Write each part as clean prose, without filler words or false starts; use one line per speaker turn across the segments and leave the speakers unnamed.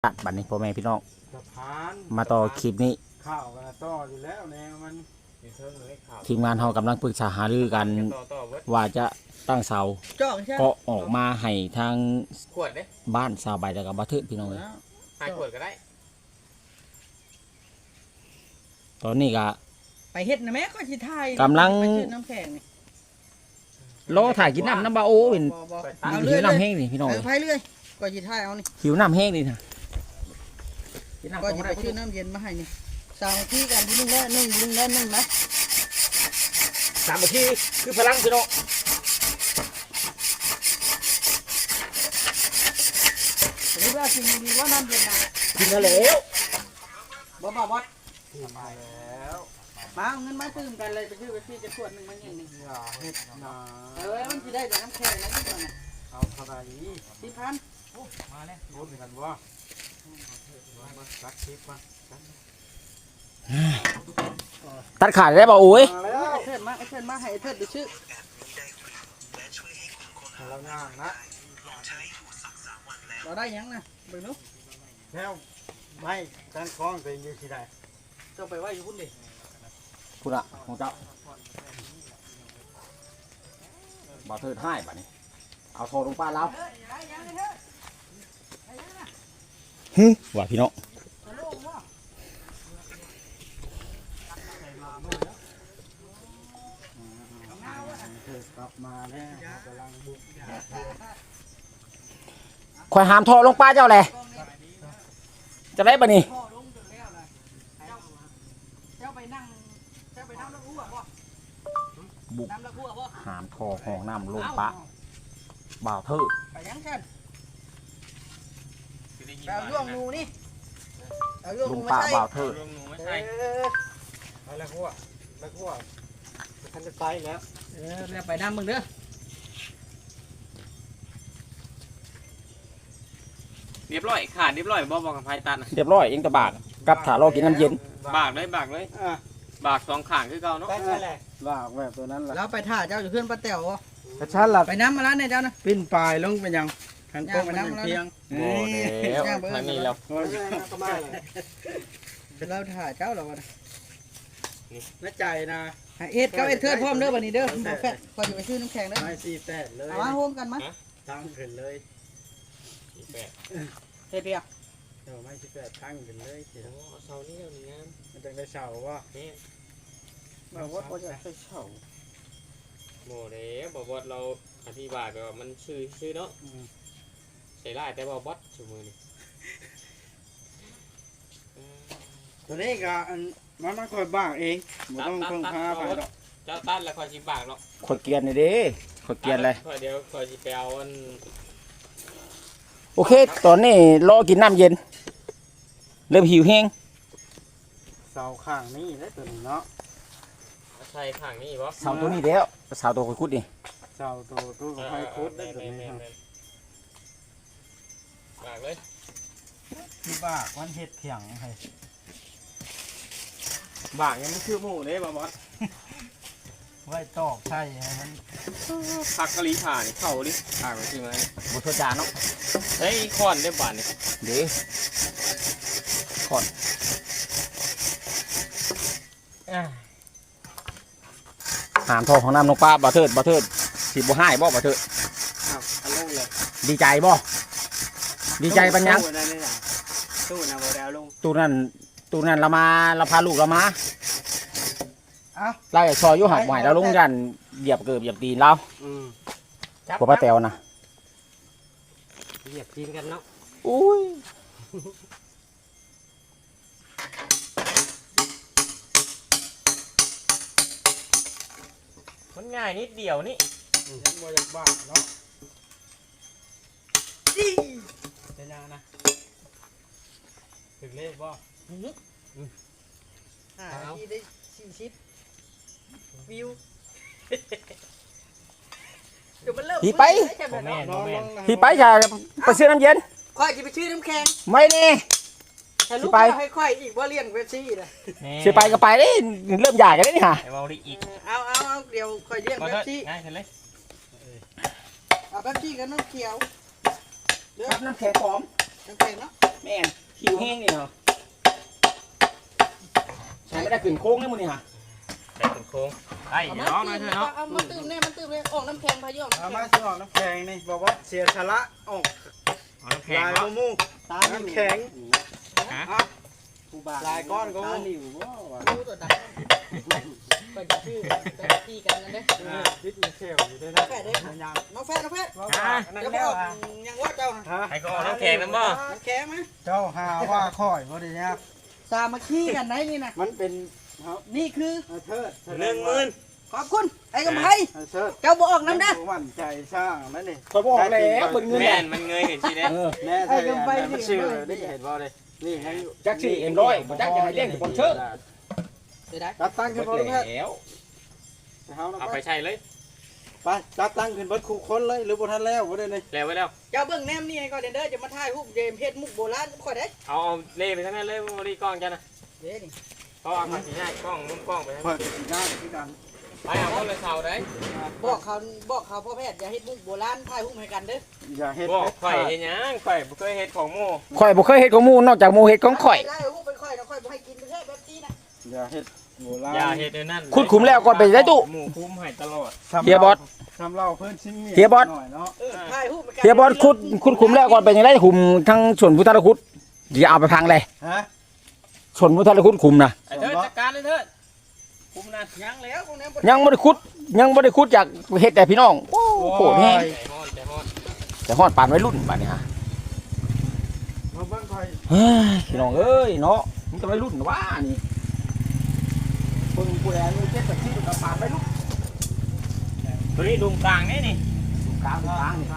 บัดนี้พ่อแม่พี่น้อง
สะพาน
มาต่อคลิปนี้
ข้าวกันต่ออยู่แล้วแนวมัน
ทีมงานเรากำลังปรึกษาหารือกันว่าจะตั้งเสาก็ออกมาให้ทาง
ขวดเด้
บ้านสาวใบแล้วก็บ่ทึกพี่น้องเลย
หายขวดก็ได้
ตอนนี้ก็
ไปเฮ็ดนะแม่ก็สิถ่าย
กำลัง
น้ำแข็งนี่
รอถ่ายกินน้ำบ่โอ้เป็นหิวน้ำแห้งนี่พี่น้องเลย
ไปเรื่อยก็สิถ่ายเอานี่
หิวน้ำแห้งนี่นะ
ก็สิไปซื้อน้ำเย็นมาให้นี่สามที่กันที่นึงแล้วนึงนะ
3 นาทีคือพลังพี่น้อง
นี่ว่าสิ่งดีว่าน้ำเย็นนะ
กินแล้ว
บ่มาแล้วมาเอาเงินมาซื้อกันเลยไปซื้อไปพี่จะขวดนึงมันอย่างนี้
อย่าเฮ็ดนะ
มันสิได้แต่น้ำแข็งนะพี่ก่อนน่ะ
เอาเท่าไหร่
4,000
โอ้มาแล้วโอ้เป็นกันบ่มาตักคลิปมา
ตัดขาดได้บ่โอ้ย
เชิญมาให้เทิดไปซื้อ
เราย่างนะ
เราได้ยังนะเบิ่งดู
แล้วไม่การคล้องตัวเองอยู่ที่ใด
เจ้าไปไว้อยู่พุ่นดิ
คุณอะของเจ้าบ่เทิดให้บัดนี้เอาโทรลงป้าแล้วว่าพี่น้อง
กลับมาแล้วกำลังบุก
ข่อยหามโทรลงป้าเจ้าแหละจะได้บัดนี้บุกหามทอห้องน้ำลงปะบ่าวเทิด
ไปยังกันเอาย่วงงูนี่เอาย่วง
ล
งู
ง
มา
ปะ
ใส่
บ่าวเทิด
แล้วพวกท่านจะไปแล้ว
เรียกไปน้ำมึงเด้อ
เรียบร้อยขาดเรียบร้อยบ่บอกกับไผตัด
เรียบร้อยเองตะบากกับถารอกินน้ำเย็น
บากเลยบาก2ข้างคือเก่าเนาะ
ลากแบบตัวนั้นแหละ
แล้วไปถ่าเจ้าอยู่เพื่อนป้าแต๋ว
กระชั้นหลับ
ไปน้ำมาแล้วเนี่ยเจ้านะ
ปิ้นปลายลงไปยังขันโค้งไปยังเพียง
โอ้แล้วทางนี้แล้ว
เราถ่าเจ้าเราวะ
น่าใจนะ
เอ็ดก็เอ็ดเทิดพร้อมเด้อวันนี้เด้อแฟะก่อนจะไปซื้อน้ำแข็งเด้อ
ไม่ซีแปดเลย
มาโฮมกันมั้ย
ตั้งขึ้นเลย
เฮ็ดเปียก
เดี๋ยวไม่ซีแปดตั้งขึ้นเลย
โอ้เสานี่งาม
มันจะได้เสาว่า
บ่ว่าบ่จะไปเสา
โมเด้บ่บอสเราอธิบายแบบว่ามันชื่อเนาะใส่ลายแต่บ่บอสชั่วมือนี่
ตัวนี้ก็มันค่อยบ้างเองบ่ต้องพึ่งพาไปหรอก
เจ้าตัดแล้วค่อยสิบากเนาะ
ขดเกียนเลยเด้ขดเกียนเลย
เดี๋ยวค่อยสิไปเอาอัน
โอเคตอนนี้รอกินน้ำเย็นเริ่มหิวแห้ง
เสาข้างนี้ได้ตัวนี้เนาะ
ใช่ข้างนี้บ่
เสาตัวนี้แล้วเสาตัวคุดนี่
เสาตัวไฟคุดได้ตัวนี้
บากเลย
ที่บ้าวันเห็ดเถียงให้
บากยังไม่ชื่อหมูเด้บ่บอส
ไว้ตอกใช่มัน
ผักกะหรี่ผ่านี่เข้าดิผ่าไปซื้อมา
บุตรจานเนาะ
เฮ้ยคอนได้บาดนี่
เด้คอนหามทองของน้ำลงป้าบ่เทิดสิบ่ให้บ่เทิด
อันลงเลย
ดีใจบ่ดีใจปัญญัง
ตู้นะบ่ได้เอาลง
ตู้นั้นเราพาลูกเรามาไล่ซอยอยู่หักใหม่แล้วลงยันเหยียบเกือบเหยียบตีนเราพวกป้าแตวนะ
เหยียบตีนกันเนาะ
อุ้ย
มันง่ายนิดเดียวนี่
ยังบ่อยากบ้าเนาะเป็นยังนะถึงเลขบ่
ที่ได้40วิวเดี๋ยวมันเริ่ม
พี่ไปจะไปซื้อน้ำเย็น
ค่อยจะไปซื้อน้ำแข็ง
ไม่นี่
สิไปให้ค่อยอีกว่าเลี้ยงเวซี่นะ
สิไปก็ไปได้เริ่มใหญ่กันได้นี่ฮะ
เอาดิอีก
เอาเดี๋ยวค่อยเลี้ยงเวซี่
ง่ายเลย
เอาเวซี่กับน้ำเขียว
น้ำแข็งหอม
น้ำแข็งเนาะ
แม่นหิวแห้งนี่เนาะใช้ไม่ได้ขึ้นโค้งนี่มึงนี่ฮะ
ได้เป็นโค้งไอ้น้องหน่อยเถอะเนาะ
เอามาตื่มเนี่ยมันตื่มเลยออกน้ำแข็งพายุออก
เอามาสิออกน้ำแข็งนี่บอกว่าเสียสละออก
เอาน้ำแข็ง
ลาย
เนาะ
มู
ตา
น้ำแข็ง
ฮะ
ลายก้อนก็มู
ดูตัวดักไปจะชื่อไปตีกันนั่นเด้
ดิสเชลอยู่ด้วยนะ
แฟดเด้
ยัง
น้องแฟดน้องแฟด
นั่น
จะบ
แล้
อ
ว
กยังว่าเจ้า
ฮะ
ให้ก็เอาน้ำแข็งน้ำบ่
น้ำแข็งไหม
เจ้าหาว่าค่อยบ่ได้ยาก
สามัคคีกันไหนนี่นะ
มันเป็น
นี่คือ
เทิด
10,000
ขอบคุณไอ้กำไพ
เทิด
เจ้าบ่ออกน้ำได้
มั่นใจสร้างนั่นนี่
คอยบอกแล้วเป็นเงิน
แม่
แน่
นมันเงยเห็นสิเด้
แน่ใจมันชื่อได้เห็นบ่เลยนี่ให้
จักสี่เอ็มร้อยบ่จักจะให้เลี้ยงสปอนเซอร์
เดี๋ยวได้
จัดตั้งขึ้น
หม
บ่
ด
ลูกแพทย์
แล้ว
เอาไปใช้เลย
ไปจัดตั้งขึ้นเบิดคู่คนเลยหรือบ่ทันแล้วบ่ได้นี่
แล้วไว้แล้ว
เจ้าเบิ่งแนมนี่ก็เดนเด้อจะมาถ่ายรูปเดมเพชรมุกโบราณค่อยได้
เอาเล่ไปทั้งนั้นเลยบ่ได้กล้องจ้ะนะ
เด้นี่
เพราะว่ามันสิง่ายกล้องมุมกล้องไปทั้ง
เปิดงานคือกัน
ไปเอาคนละเสาได้
บอกเขาพ่อแพทย์อย่าเฮ็ดมุกโบราณถ่ายรูปให้กันเด้อ
อย่าเฮ็ด
บอกข่อยเฮ็ดหยังข่อยบ่เคยเฮ็ดของหมู่
ข่อยบ่เคยเฮ็ดของหมู่นอกจากหมู่เฮ็ดของข่อย
ได้รูปเป็นค่อยนะค่อยบ่ให้กินแค่แบบนี้นะ
อย่าเฮ็ดโบราณ
อย่าเฮ็ดเดี๋ยวนั้น
ขุดขุมแล้วก่อนไปได้ตู้
หมู่คุ้มให้ตลอด
เฮียบอส
ทำเราเพิ่นชิ้นเมีย
เฮียบอส
หน่อยเนาะ
ถ่ายรูปให้กัน
เฮียบอสขุดขุมแล้วก่อนไปยังไงขุมทั้งส่วนพุทธคุดอย่าเอาไปพังเลย
ฮะ
ส่วนพุทธคุดขุมนะ
ไอ้เถิดจัดการเลยเถิดคุ้มนะ
ยังแล้วพวกนี้
ยังบ่ได้ขุดจากเฮ็ดแต่พี่น้องโอ้โหแห้ง
ใจฮ้อนใจฮ้อน
แต่ฮอดปานไว้รุ่นบัดนี้ฮะ
มาเบิ่งค่อย
เฮ้ยพี่น้องเอ้ยเนาะมันจะไว้รุ่นว่านี่เพิ่งผู้ใดมีเจ็ดแบบที่กับปานไว้รุ่น
ตัวนี้ดุงกลางนี่นี่
กลางนี่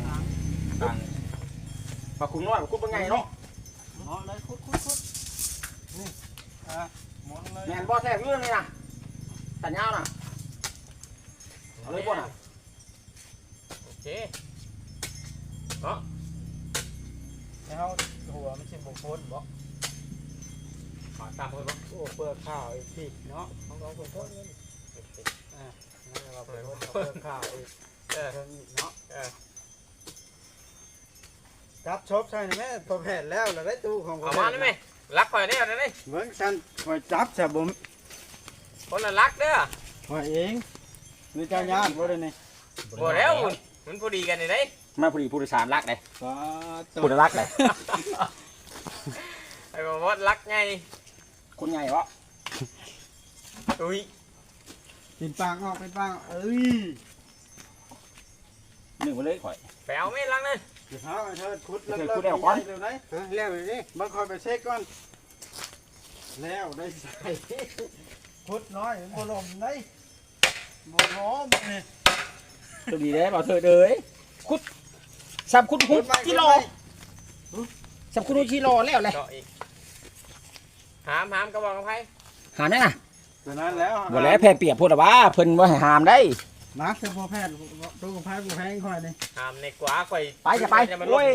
ปลาคุ้มน้อยปลาคุ้มเป็นไงเนาะ
เนาะเลยคุดนี่ฮะหมุนเลย
แม่นบ่แท้เรื่องนี่นะตัดยาวน่ะเอาเลยบ่น่ะ
โอเค
แล้วหัวมันสิบ่พ้นบ่
ขอตามเพิ่นบ่
โอ้เปลือกข้าวอีกทีเนาะของเราคนพ้นนี่นั่นเราเปลือกข้าวอีกเนาะจับชบใช่ไหมพอแผ่นแล้วเราได้ตู้ของ
เอามาได้ไหมรักข่อยได้เอาได้
เบิ่งฉันคอยจับซะบ่
คนละรักเด้อ
คอยเองนี่เจ้าญาติบ่ได้นี่
บ่แล้วมันพอดีกันนี่เด้
มาผู้ดีผู้โดยสารรักเลย
ฟ้าต
ผู้ใดรักเลย
ไอ้บ่ว่ารักไง
คนใหญ่วะ
อุ้ย
เป็นปางออกเป็นปางเอ้ย
หนึ่งไปเลยข่อย
ไปเอาไม่รักนั่น
เดี๋ยวหาเธอขุด
เธอขุดแล้วก่อน
เร็วไหนแล้วเลยนี่บางคอยไปเช็คก่อนแล้วได้ใส่ขุดน้อยบ่ลมได้บ่ล้มนี่
ตัวดีเลยบอกเธอเด้ยคุดสับคุดคุดชิโลสับคุดชิโลแล้วเลย
เจาะอีกหามกระบอกกับไผ
หาแน่น่ะ
ตัวนั้นแล้ว
บ่แล้วแพ้เปียกพูดว่าเพิ่นว่าให้หามได้
นักเฉพาะแพทย์ตู้กับแพทย์กูแพงคอยนี่
หามในกว่าข่อย
ไปจะไป
มัน
โอ้ย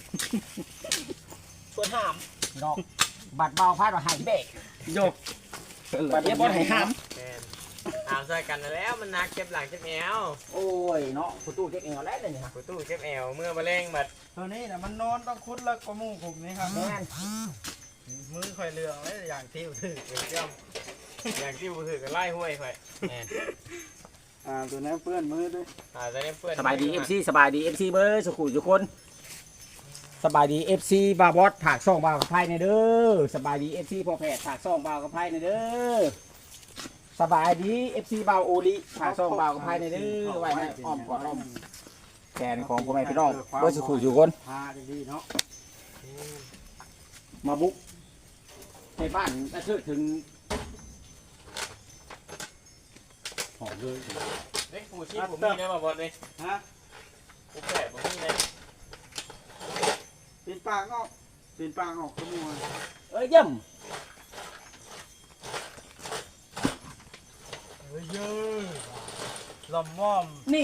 ส่วนหามดอกบัดเบาพาดว่าหายเบรก
โยก
บัดเนี้ยบ่ให้หาม
แม่นหามใส่กันแล้วมันนักเจ็บหลังเจ็บแอว
โอ้ยเนาะผู้ตู้เจ๊กเองเอาแล้วเลยนี่ฮะ
กูตู้เจ็บแอวเมื่อมะเร็งบัด
ตัวนี้นะมันนอนต้องคุดแล้วก็มู่ขุมนี่ครับ
แม่น
มือคอยเรืองเลยอย่างที่ถือ
อย่างที่บ่ถือกันไล่ห้วยข่อยแม่น
ตัวนี้เปื้อนมือด้วย
จะได้เพื่อน
สบายดี FC สบายดี FC เบอร์สุขุทุกคนสบายดี FC บาบอสผากซ่องบาวกับไพ่ในเด้อสบายดี FC พ่อแพทย์ผากซ่องบาวกับไพ่ในเด้อสบายดี FC บาวโอลิผากซ่องบาวกับไพ่ในเด้อไว้ให้อ้อมกอดอ้อมแขนของพ่อแม่พี่น้องเบอร์สุขุทุกคน
พาดีๆเนาะ
มาบุกในบ้านกระเชิดถึงหอมเลย
เฮ้ยผู้ชีพผมมีนะบ่บอสเลย
ฮะ
ผู้แฝดผมมีเลย
ปีนปางออกปีนปางออกขโมย
เอ้ยเยี่ยม
เฮ้ยเยอะลำม่อม
นี่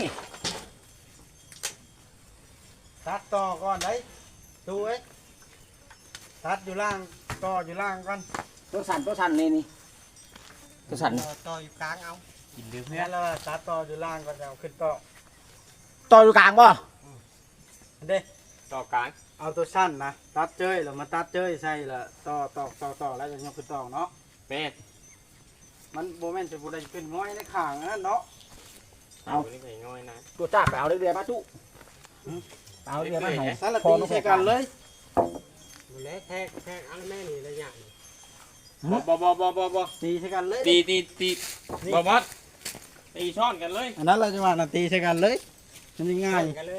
ตัดต่อก่อนได้ดูเอ้ยตัดอยู่ล่างต่ออยู่ล่างก่อน
ตัวสั่นนี่นี่ตัวสั่น
ต่ออยู่กลางเอา
กินดื้อ
เนี่ยแล้วตัดต่ออยู่ล่างก่อนจะเอาขึ้นต่อ
ต่ออยู่กลางป่ะ
เด้
ต่อกลาง
เอาตัวสั้นนะตัดเจ้ยแล้วมาตัดเจ้ยใส่ละต่อแล้วจะยกขึ้นต่อเนาะ
แม่น
มันโบแมนจะบูได้ขึ้นง่อยในข้างนั่นเนาะ
เอานี่ไปง่อยนะ
ตัวจ้าไปเอาเรือมาจุเอาเรือมาให้
สารตีใส่กันเลย
มันแล้วแทกอันแม่นี่ระยะนี่
บ่
ตีใส่กันเลย
ตีบ่บอสตีช้อนกันเลย
อันนั้นเราจะว่าตีใส่กันเลยมันง่าย
กันเลย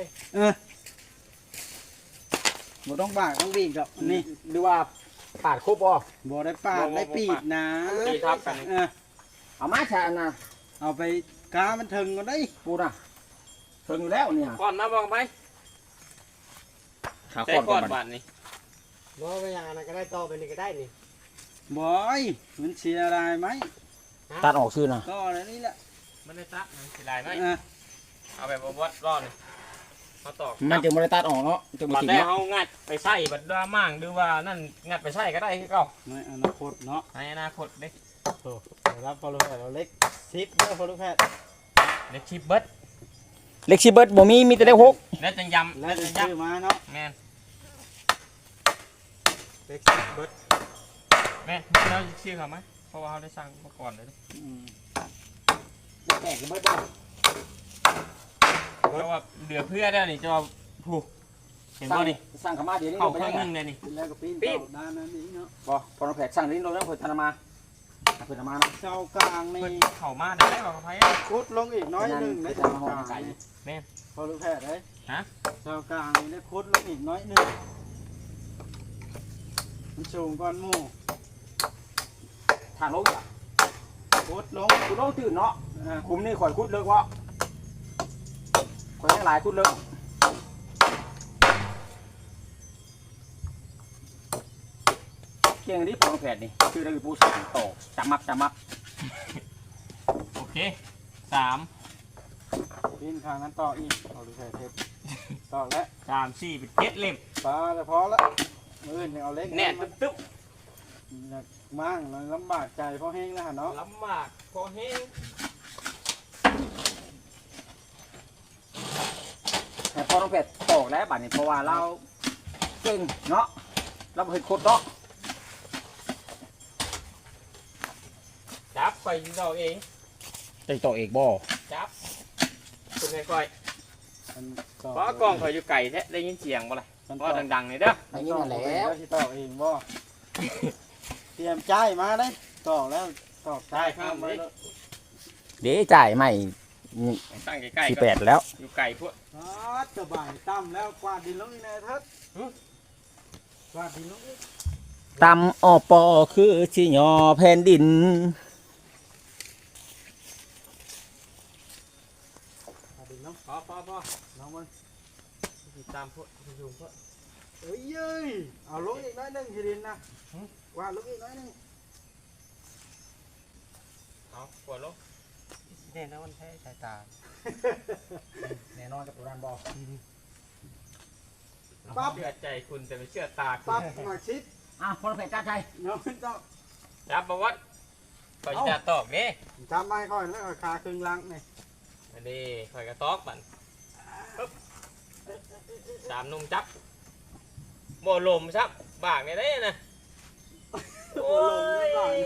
บ่ต้องบากต้องบีบหรอกนี่
หรือว่าปาดครบบ่
บ่ได้ปาดได้ปีดนะ
ตีทับกัน
เอามาชานะ
เอาไปกามันถึงก็ได้
ปูน่ะถึงอยู่แล้วเนี่ย
ก่อนมาบอกไป
ขา
ใส่
ก่อน
ก่
ก่
อ
อน น
บาทนี่
บ่ไปอย่างนั้นก็ได้ต่อไปนี่ก็ได้นี่
บอยมันเสียอะไรไหม
ตัดออกชื่อนะ
ก็อะไรนี่แหละ
มันได้ตักมันสิลายไหม
อ่ะ
เอาแบบบอสรอดเลยมาตอก
มันจะบริตัดออกเนาะจะมา
บัด
ติด
ได้
เนาะ
เอางัดไปใส่บัดดามั่งหรือว่านั่นงัดไปใส่ก็ได้คือเก่า
ในอนาคตเนาะ
ในอนาคตเด็ก
โอ้รับพอลูกแพทย์เราเล็กซิปเด้อพอลูกแพทย์
เด็กชิปเบิด
เล็กซิเบิร์ดบ่มีแต่เล็กหก
แล้วจังยำ
แล้วจะ
จัง
ซื้อย
ำ
มาเนาะ
แม่น
เล็กเบิด
แม่นเราชื่อเขาไหมเพราะว่าเขาได้สั่งมาก่อนเลย
แตกซิเบิร์ดบ่
เพราะว่าเหลือเพื่อได้นี่จะเอาผูกเห็นบ่นี่
สร้างขม่าเดี๋ยวนี้
เข้า
ไป
เครื่
ยั
อง
ง
นึ
ไง
งเลยนี่
แล้วก็ปีน
ปีน
เต่าด้านนั้นนี่เนาะ
บ่พอเราแผดสร้างลิ้นเราต้องเปิดธนามาเปิดธนามานะ
เจ้ากลาง
เพิ่น
นี่
เข้ามาได้บอกกับไผ
คุดลงอีกน้อยหนึ่งใน
ใน
เจ้า
ธนาห้
ก
อง
ลาง
ไก่
นี่พอลูกแพทย์เลย
ฮะ
เจ้ากลางนี่ได้คุดลงอีกน้อยหนึ่งมันสูงก้อนหมู่
ทางลงอ่ะ
คุดลง
คุณต้องตื่นเนาะ
อ่ะ
คุมนี่ข่อยคุดเลิกวะข่อยทั้งหลายคุดเลิกเกียงนี้พอแผดนี่ชื่ออะไรปูสังโตจำมับ
โอเคสาม
ปีนข้างนั้นต่ออีกพอลูกแพทย์เทปต่อแล้ว
สามสี่เป็น7เล่ม
ปลาแต่พอละมืออื่นยังเอาเล็ก
แน่
มัน
ตึ๊บ
อยากมั่งมันลำบากใจเพราะแห้งแล้วหั่นเนาะ
ลำบากพอแห้ง
แต่พอต้องแผดตอกแล้วบัดนี้เพราะว่าเราเก่งเนาะเราเห็นโคตรเนาะ
จับไปเราเอง
จะตอกเอกบ่
จับคุณไงก้อย
มันต่
เพราะกล้องเขาอยู่ไก่แท้ได้ยินเสียงบ่ล่ะ
มัน
เพ
ต่อ
ราะดังๆเลยเด้อ
ไอ้นี่นั่นแหล้ว
ที่ต่อเองบ่ เตรียมใจายมาเลยต่อแล้วต่อใจายข้ามไปแล้ว
เดี๋ยวจ่ายใหม่
ตั้งใกล้ๆ
สี่
ก็
แปดแล้ว
อยู่ไก่พวก
สบายตั้มแล้วกวาดดินลงอีกแน่เถิดกวาดดินลงอีก
ตำอปอคือชิยอแผ่นดิน
กวาดดินลง
พอ
น้องมัน
ติดตามพวกอยู่พวก
เอ้ยเอ้ยเอาลงอีกน้อยหนึงทีดินนะกวาดลงอีกน้อยหนึง
เอาปวดลง
แน่นอนแท้สายตา
แน่นอนกับตัวนั้นบอก
ปั๊บเชื่อใจคุณแต่ไม่เชื่อตาคุ
ปั๊บ
ณ
มาชิด
อ่ะพอเราแผดจ้าใจ
น้องมันต้อง
จับประวัติคอยจะตอกเด้
จำไม่ค่อยแล้วก็คาครึ่งลังนี่
อันนี้คอยกระตอกบันปึ๊บสามนุ่มจับโบลมซับบากเนี่ยได้นะ
โอ้ย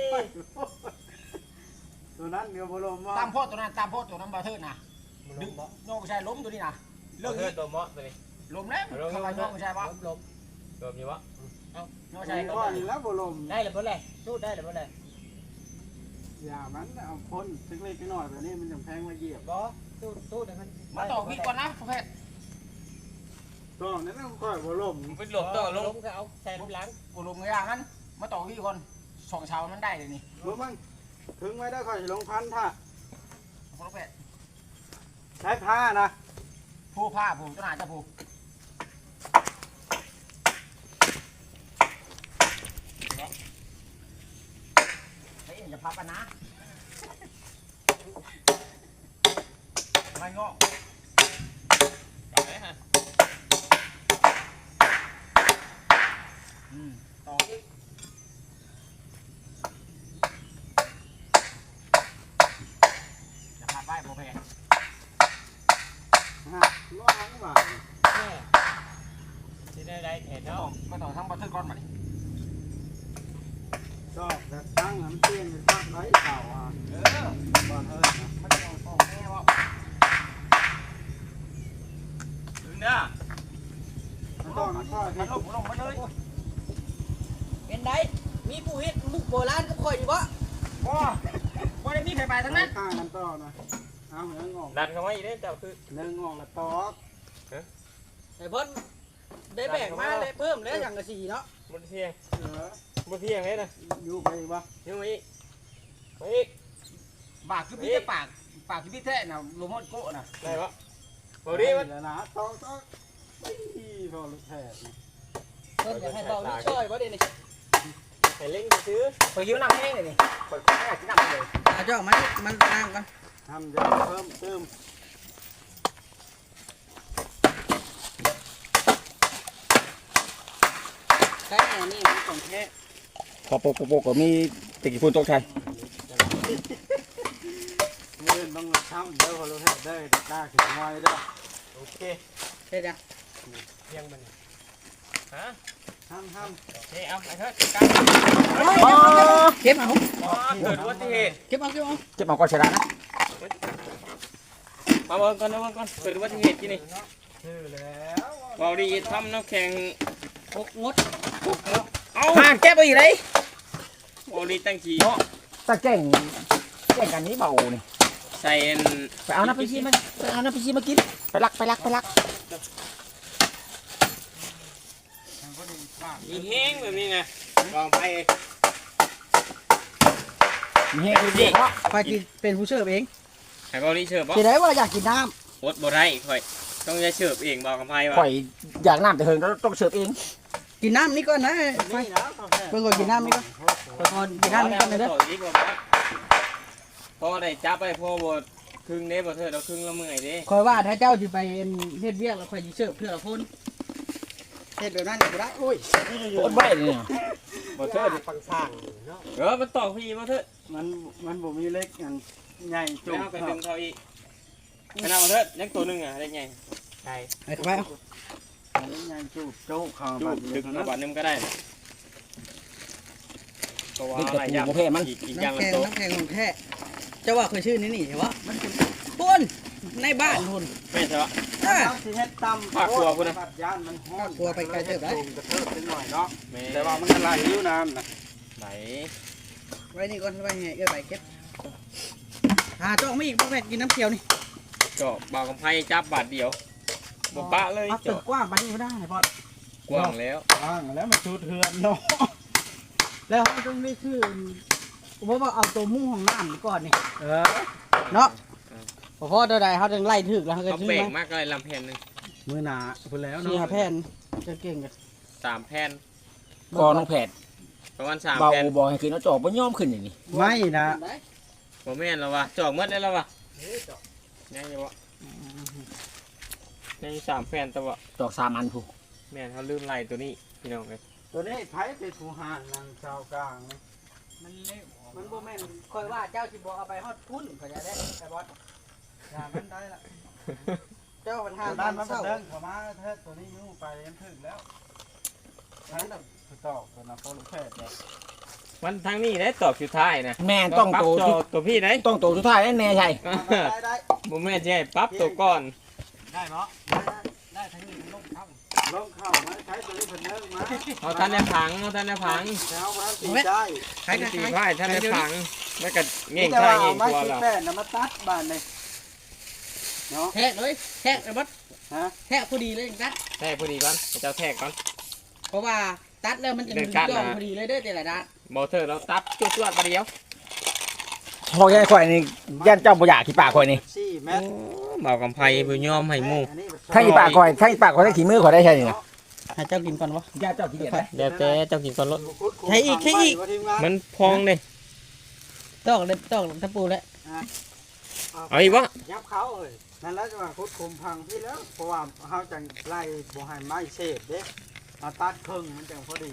ตัวนั้นเดียวบอลมว่า
ตามโพดตัวนั้นตามโพดตัวนั้นบาเทิดนะดึงโยกใช่ล้มตัวนี้นะเลิ
เลิ
ก
ก
นี้
เลิกตัวเมาะตัวนี้
ล้มแล้วเขาว่าโยกใช่ปะ
ล้ม
รวมอยู่วะ
โยกใช่
ใช่
ล้
ก้อน
ม
แล้วบอลม
ได้เลยบ่เลยสู้ได้เลยบ่เลย
อย่ามันเอาคนเล็กๆน้อยๆแบบนี้มันจะแพงมาเหยียบ
บ่สู้เดี๋ยวมัน
มาต่อพี่ก่อนนะประเภท
ก็นั่นต้องค่อยบอลม
ไปหลบตัวลง
ก็เอาใส่ลูกหลัง
กูลงอย่างนั้นมาต่อพี่ก่อนสองเช้ามันได้เลยนี่
รู้มั้งถึงไว้ได้ค่อยลงพันท่า
ประเภท
ใช้ผ้านะ
ผู้ผ้าผู้เจ้าหน้าจะผู้เฮ้ยอย่าพับกันนะไม่งอก
กลับไหมฮะ
ต่ออีกอย่าพับไว้ประเภท
ร้องบาท
แม่
แต่ตั้งมันเปลี่ยนเป็นตั้งไรเก่าอ่ะบอลเฮ้ยนะ
มันจะออกแม่ว่า
ถึงเด้อ
มันต้องมันค่อย
มันลงมาเลย
เป็นไดมีผู้เฮ็ดมุกโบราณก็ค่อยอยู่บ่
บ่ได้มีไผไปทั้งนั้น
ข้างกันต่อนะเอาเนื้องอก
ดันเข้ามาอีกเด้อเจ้าคือ
เนื้องอกละตอก
ไอ้เพิ่นได้แบ่งมาเลยเพิ่มแล้วอย่างละสี่เนาะ
บ่เที่ยง
เหลือ
บ่เที่ยงเลยนะ
อยู่ไปวะ
ยังมาอีกมาอีก
ปากคือพี่แต่ปากคือพี่แท้น่ะลงฮอดโกะน่ะ
ได้ปะบ่ดีมัน
แล้วนะตอกไม่พอลูกแพทย์
เพิ่นอยากให้เบานิดช่อยบ่ได้นี่
ให้เล่นซื้อ
ไปหิวน้ำแห้งเลยนี่ไปกินน้ำเลย
อาเจ้ามันล้างกัน
ทำจะเพิ่มเติม
ใช้แน่นี่มันของแท้
พอโปกก็มีตะกี้พูนตกชัย
เงินต้องทำเด้อพอลูกแพทย์ได้ได้ขึ้นน้อยเด้อ
โอเค
เฮ็ดจัง
เที่ยงมันฮะ
ทำ
โอเคเอาไปเถอะกัน
เก็บเอา
เกิดอุบัติเหตุ
เก็บเอา
เจ็บเอาก็ชนะนะ
มาเบิ่งก่อนนะเบิ่งก่อนเกิดอุบัติเหตุที่นี่
ชื่อแล้ว
เบาดีทำน้ำแข็ง
หกงด
เอา
ห่างแก้ไปอีกเลย
เบาดีตั้งขี่
ตะแก่งกันนี้เบานี่
ใส่อัน
ไปเอาน้ำไปชีมาไปเอาน้ำไปชีมากินไปลัก
มีแห้งแบบนี้ไงลองไป
มีแห้งดีเนาะ
ไปกินเป็นผู้เสิร์ฟเอง
ให้เบาดีเสิร์ฟบ่
สิได้ว่าอยากกินน้ำ
อดบ่ได้ค่อยต้องจะเสิร์ฟเองบอกกับไพ่ว่า
ข่อยอยากน้ำแต่เฮิงต้องเสิร์ฟเอง
กินน้ำนี่ก่อนนะ
นี่นะกาแฟ
เพิ่นก็กินน้ำนี่ก่อนเพิ่นก่อนกินน้ำนี่ก่อนเลยเด้อ
อีกบ่พอได้จับไปพอบ่ครึ่งเด้บ่เถิดเอาครึ่งละเมื่อยเด้
คอยว่าถ้าเจ้าสิไปเฮ็ดเวียกแล้วค่อยสิเสิร์ฟเพื่อคนเฮ็ดแบบนั้นก็ได้
อุ้ย
โคตรไว้เลยเนี่ย
บ่เถิด
ฟังสร้างเนาะ
มันตอกพี่บ่เถิด
มันบ่มีเล็กอันใหญ่จุ
แล้ว
ก
ก็ดึงเขาอีกขนาดบ่เถิดยังตัวนึงอ่ะได้ไงใช่
ไปเข้าไปเอา
อันนี้ใหญ่จุกจุกเขา
จู
บั
บ
ด
ดึ
ดึ
ง
ก
มา
นะ
บาทนึงก็ได้ก็ว่า
นี่
อะ
กระ
ไร
ปู
อย่าง
โมเพมัน
อีกอย่างละ
น้ำแข็ง
ตัว
น้ำแข็งของแท้เจ้าว่าเคยชื่อนี้นี่เหรอวะมันเป็นพุ่นในบ้านพุ่น
ไม่ใช่ปะ
อ่า
สิเฮ็ดตำ
ฝากครัวพุ่นนะ
บัดย่านมันฮ้อน
ฝากครัวไปไกลเติบได้
กระเทิบเป็นหน่อยเนาะ
แม่
แต่ว่ามันก็ไหลอยู่น้ำนะ
ไหน
ไว้นี่ก่อนไว้ให้เอื้อไปเก็บหาจ้องไม่อีกบ่แม่นกินน้ำเขียวนี่
เจาะบ่าวกำไพจับบาทเดียวบ่ปะเลย
เอาตึก
เจาะ
กว้างปานนี้บ่ได้พอด
กว้างแล้ว
ว่างแล้วมันสูดเทือนเนาะ
แล้วเขาต้องได้ชื่อผมว่าเอาตัวมุ้งของน้ำนี่ก่อนนี่
เออ
เนาะพอเท่าใดเขาถึงไล่ถึกแล้วเขาก็
เขา
ชื่อ
เบ่ง
มาม
ากเลยลำแผ่นหนึง
มือหนาพูดแล้ว
สี่
เนาะ
หาแผ่นจะเก่งกัน
3แผ่น
ก็น้องแผด
ประมาณ3
เบา
แผ่น
บอกให้ขึ้นเอาจอกบ่ยอมขึ้นอย่างนี้
ไม่นะ
บ่แม่นแล้ววะจอกหมดได้แล้ววะยังอยู่บ่ยังอยู่3แผ่นแต่ว่า
จอก3 อันผู้
แม่นเขาลืมไล่ตัวนี้พี่น้องเอ้ย
ตัวนี้ไผ่เป็นผู้หานนางชาวกลางนะ
มันเละมันบ่แม่นคอยว่าเจ้าสิบ่เอาไปฮอดพุ่นเขาจะได้แต่บอส
อย่ามันได้ละ
เจ้าปัญหา
ด้า
ด้าน น
มัน
เศร้า
เดินเข้ามาเทิดตัวนี้ยุ่งไปยันถึงแล้วทั้งแบบตอกตัวนะโปรลูกแพทย์เนี่ย
มันทางนี้ได้ตอบสุดท้ายนะ
แม่ต้องโต
ปรับตัวพี่ได้
ต้องโตสุดท้ายแน่ใช่
ได้ได้
บ่แม่นสิให้ปรับตัวก่อน
ได้เนาะได้ทั้งนี้ทั้งลงเข้าลงเข้ามาใช้ตัวนี้เพิ่นเลิกมา
เอาท่านได้พังเอาท่านได้พัง
แล้วมันตีได้
ใครกัน
ตี
ใคร
ไพ่ท่านได้พังแล้วก็เง่ง
แต่
ใช่
ว่า
เง่
เอา
ง
ไม้
ตัว
ตี
แล้ว
แป้นนะมาตัดบ้านเลยเนาะ
แทะเลยแทะไอ้บอส
ฮะ
แทะพอดีเลยจัง
แทกพอดีก่อนเจ้าแทกก่อน
เพราะว่าตัดแล้วมันจะ
เดิ
มี
นกั้น
ย่อม
นะ
พอดีเลยเด้อแต่ละด้าน
บอเทอร์เราตัดจวดๆมาเดียว
พอแค่ข่อยนี่ย่านเจ้าบ่อยากขี้ปากข่อยนี่
4เมตร
เบากำไพบุญยอมให้หมู่
ถ้าขี้ปากข่อยถ้าขี้ปากข่อยถ้าขี้มือข่อยได้ใช่นี่นะ
ให้เจ้ากินก่อนวะ
ย่านเจ้าขี้เกียจได้
เดี๋ยวแต่เจ้ากินก่อนรถ
ใช้อีกใช้อีก
มันพองเลย
ต้องตะปูแล้ว
เอาอีกวะ
ยับเขาเอ้ยนั่นแล้วจะว่าคุดคุมพังพี่แล้วเพราะว่าเฮาจังไล่บ่ให้ไม้เศษเด้เอาตัดครึ่งมันจังพอดี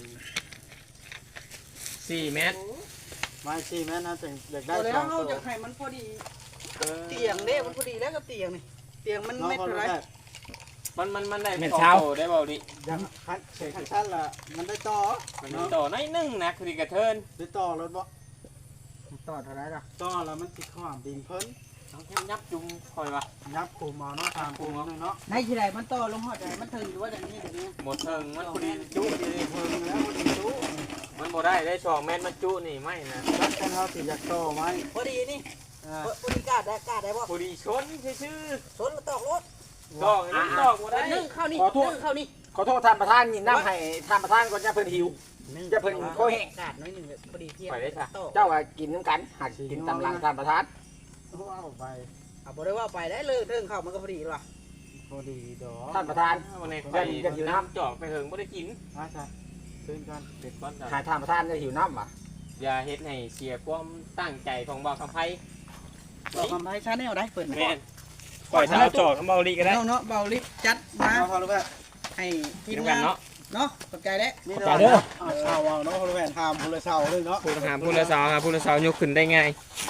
4 เมตร
ไม้4เมตรนะจังอยากได้
เอาแล้
ส
ว
อง
เขา
ตัว
จะให้มันพอดีเตียงเด้มันพอดีแล้วกับเตียงนี่เตียงมัน
น้อง
เม็ด
เขา
เท่าไหร
ได้
มันได้
แม่น
สอง
เช้า
โตได้เบาดิ
ยังคันเสียงคันชั้นละมันได้ต่อ
มันมีโตน้อยหนึงนะคือดีกระเทิน
ได้ต่อรถบ่
ต่อเท่าไหร่ล่ะ
ต่อแล้วมันติดข้ามดินเพิ่น
ต้องแค่ยับจุงคอยว่า
ยับปูมาเนาะตามปูเนาะเนาะ
ในที่ใดมันต่อลงฮอดใดมันถึงหรือว่าอย่างนี้อย่างนี้
หมดเทิงมันพอดี
จุ
จุ
ดีเพิ่นแล้วมันจุ
มันบ่ได้ได้2 เมตรมันจุนี่ไม่นะ
รักกันเฮาสิอยากต่อไว้
พอดีนี่
อ่า
พอดีกาดได้บ่
พอดีชนชื่อ
สนแล้วตอกรถ
ๆดอกนี่ดอกบ่ได้
นึ่งเข้านี่
ขอโทษ
นึ่งเข้านี่
ขอโทษท่านประธานยินน้ำให้ท่านประธานก่อนจะเพิ่นหิวจะเพิ่นโคแห้ง
กาดน้อยหนึงพอดีเที่ยง
ไปได้ค่ะ
ตอก
เจ้าว่ากินน้ำกันหักกินตำลังท่านประธาน
เอาไป
เอาบ่ได้ว่าไปได้เลยเรื่องเข้ามันก็พอดีว่ะ
พอดีดอก
ท่านประธาน
วันนี้ไปน้ำจอกไปเหิงบ่ได้กิน
อาจ้ะขึ้นกัน
เด็ดก้อนจ้ะ
หาท่านประธานจะหิวน้ำว่ะ
อย่าเฮ็ดให้เสียความตั้งใจของบ่าวคำไพ
บอกคำไพ่ชาแนลได้เปิด
แม่นปล่อยเท้าจอกกับเบาลีก็ได้
เนาะเบาลิฟจัดมา
เอาพอรู้ป่ะ
ให้ที
กิน
ม
กัน
งาน
เนาะ
เนาะขอบใจแล้ว
นี่เด้อเอาชาวเอาเนาะพอรู้แม่ทำพลเสาเลยเนาะ
พูดหาพูดละสาวหาพูดละสาวยกขึ้นได้ง่าย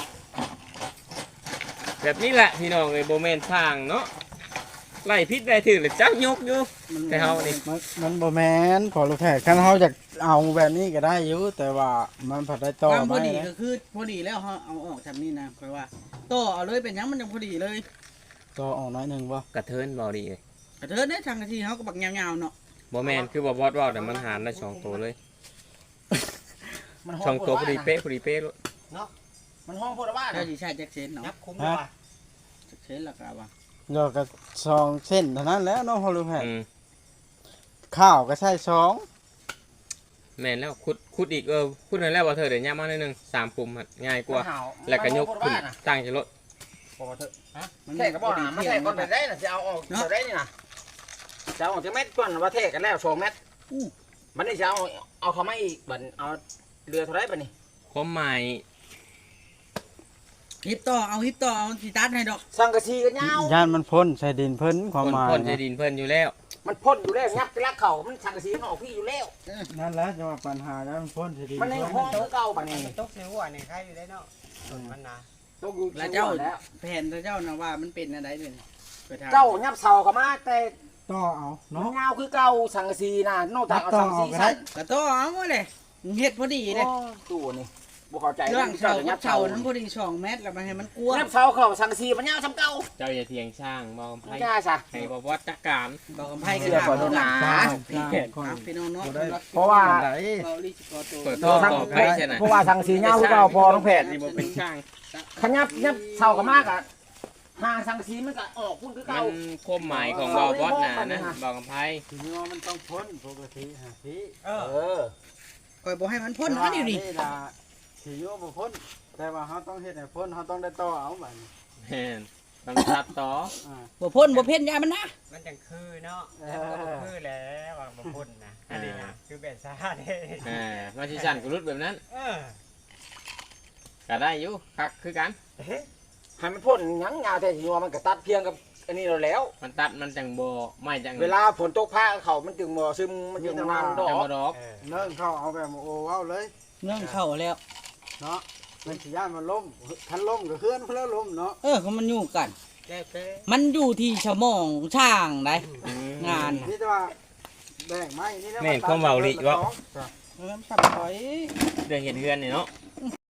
แบบนี้แหละพี่น้องเอ้ยโบแมนทางเนาะไล่พิษได้ถือหรือจักยกอยู่แต่เฮานี่
มันบ่แม่นพอรู้แท้คันเฮาอยากเอาแบบนี้ก็ได้อยู่แต่ว่ามันผัดได้ต่อ
ความพอดี
ไว้
ก็คือพอดีแล้วเฮาเอาออกจากนี่นะค่อยว่าต่อเอาเลยเป็นหยังมันยังพอดีเลย
ต่อออกน้อยหนึงบ่
กระเทินเบาดีเลย
กระเทินได้ทางกะทีเฮาก็บักยาวๆเนาะ
โบแมนคือบ่บอสว่าแต่มันหารได้2 ตัวเลย
มัน
2 ตัวพอดีเป๊ะพอดีเป๊ะเลย
มันห้องโพดว่า
ถ้าสิใช้จักเซนเนาะ
ยับคุ้มเลยว่ะ
จักเซนละก็ว่า
เดี๋ยวก็2เส้นเท่านั้นแล้วเนาะพอรู้แท้
อืม
ข้าวก็ใช่2
แม่นแล้วขุดอีกขุดนั่นแล้วว่าเธอเดี๋ยวย่ามาหน่อยหนึง3 ปุ่มอะง่ายกว่า
มันห่าว
แล้วก็ยกขึ้น
มัน
ตั้งจะรถ
โพดว่าเถอะ
มัน
แทกก็บอกนะมาแทกก่อนไปได้น่ะจะเอาออกจะได้นี่นะจะเอาออกจากเม็ดก่อนว่าแทกกันแล้ว2 เม็ดมันนี่จะเอาเข้ามาอีกบัดเอาเรือเท่าไรบัดนี้
ความหมาย
ฮิปต่อเอาฮิปต่อเอาสิตัดให้ดอก
สังกะสีกันยาว
ย่านมันพ้นใส่ดินเพิ่นความหมาย
พ่นจะดินเพิ่นอยู่แล้ว
มันพ่นอยู่แล้วยับไปลักเข่ามันสังกะสีมันออกพี่อยู่แล้ว
นั่นแหละจะว่าปัญหาแล้วมันพ้นใส่ดิน
มันในห้องคือเก่าบัดนี้
ตกในหัวนี่ใครอยู่ได้เนาะส่วนมันนะ
ตกอยู่
แล้วเจ้าแผนเจ้านะว่ามันเป็นอะไรเด้อไปถาม
เจ้ายับเสาเข้ามาแต่
ต่อเอา
มัน
เนาะ
ยาวคือเก่าสังกะสีน่ะนอกจากเอาสังกะสีใส่
กระต่อเอาเลยเฮ็ดพอดีเลย
ตู้นี่บ่เข้าใจ
เรื่องเสา
ยับ
เสานั้นพอดี2เมตรแล้วมันให้มันกว้าง
ยับเสาเข้าสังกะสีมันยาวซ้ำเก่า
เจ้าอย่าเถียงช่างบ่คำไพ
ไม่กล้าซะ
ให้บ่บอสจัดการ
บอกกับไพ่ก็
เชื่อก่อนโดนหนา
พี่น้องเนาะ
เพราะว่า
เราลิสิกอตัว
เปิดท่อต่อไผใช่ไหม
เพราะว่าสังกะสียาวคือเก่าพอน้องแพทย์
นี่บ่เป็นช่าง
ขยับเสาเข้ามากอะห่างสังกะสีมันก็ออกพุ่นคือ
มั
เก่า
นความหมายของบ่บอสน่ะนะบ่คำไพ
ทีนี้ว่ามันต้องพ้นปกติฮะพี่
เออ
คอยบอกให้มันพ่นมันอยู่นี่
ล่ะทีนี้ว่าบ่พ้นแต่ว่าเขาต้องเฮ็ดให้พ้นเขาต้องได้ต่อเอาบัดนี้
แม่นต้องตัดต่อ
อ่า
บ่พ่นบ่เพ่นยามันนะ
มันจังคือเนาะแล้วมันก็บ่คือแล้วว่าบ่พ่นนะอันนี้นะคือแบบซ่าเด้
มาสิสั่นกุรุดแบบนั้น
เออ
ก็ได้อยู่คักคือกัน
ให้มันพ่นหยังยาวแต่สิว่ามันก็ตัดเพียงกับอันนี้เราแล้ว
มันตัดมันจังบ่ไม่จัง
เวลาฝนตกผ้าเขามันจึงบ่ซึมมันจึงนานดอ
จัง
ก
บ่ดอก
เออ
เนิ่งเข้าเอาแบบโอ้เอาเลย
เรื่องเข้าแล้ว
เนาะมันสิย่านมันล้มคันล้มก็เคลื่อนเพื่อล้มเนาะ
เขามันอยู่กัน
แก้เป้
มันอยู่ที่ชะมองช่างได้งาน
นี่แต่ว่าแบ่งไม้นี่นะ
แม่นความเว้าลิว่า
สับถอย
เรื่องเห็นเฮือนนี่เนาะ